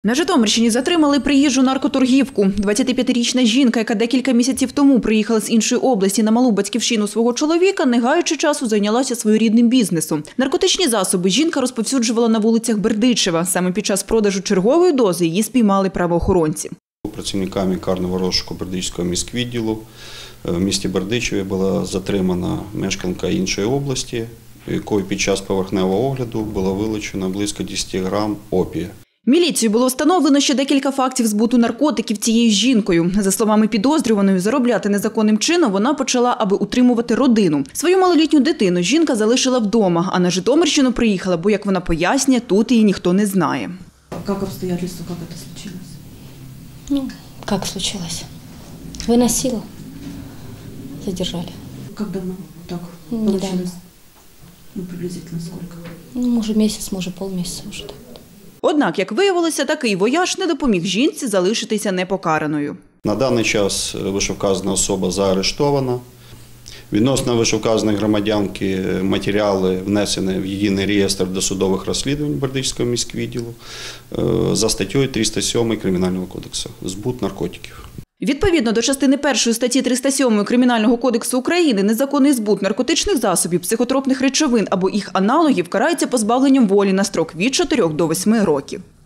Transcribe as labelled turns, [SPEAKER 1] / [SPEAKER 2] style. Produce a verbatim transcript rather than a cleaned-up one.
[SPEAKER 1] На Житомирщині затримали приїжджу наркоторгівку. двадцятип'ятирічна жінка, яка декілька місяців тому приїхала з іншої області на малу батьківщину свого чоловіка, не гаючи часу, зайнялася своєрідним бізнесом. Наркотичні засоби жінка розповсюджувала на вулицях Бердичева. Саме під час продажу чергової дози її спіймали правоохоронці.
[SPEAKER 2] Працівниками карного розшуку Бердичівського міськвідділу в місті Бердичеві була затримана мешканка іншої області, якою під час поверхневого огляду було вилучено близько десяти грам опія.
[SPEAKER 1] Міліцією було встановлено ще декілька фактів збуту наркотиків цією жінкою. За словами підозрюваної, заробляти незаконним чином вона почала, аби утримувати родину. Свою малолітню дитину жінка залишила вдома, а на Житомирщину приїхала, бо, як вона пояснює, тут її ніхто не знає.
[SPEAKER 3] Як обстоятельства, як це случилось?
[SPEAKER 4] Ну, как случилось? Выносила, задержали.
[SPEAKER 3] Как давно так
[SPEAKER 4] Недавно.
[SPEAKER 3] получилось? Ну, приблизительно сколько?
[SPEAKER 4] Ну, може месяц, може полмісяця вже так.
[SPEAKER 1] Однак, як виявилося, такий вояж не допоміг жінці залишитися непокараною.
[SPEAKER 2] На даний час вищевказана особа заарештована. Відносно вищевказаної громадянки матеріали внесені в єдиний реєстр досудових розслідувань Бердичівського міськвідділу за статтею триста сьомою Кримінального кодексу «Збут наркотиків».
[SPEAKER 1] Відповідно до частини першої статті триста сьомої Кримінального кодексу України, незаконний збут наркотичних засобів, психотропних речовин або їх аналогів карається позбавленням волі на строк від чотирьох до восьми років.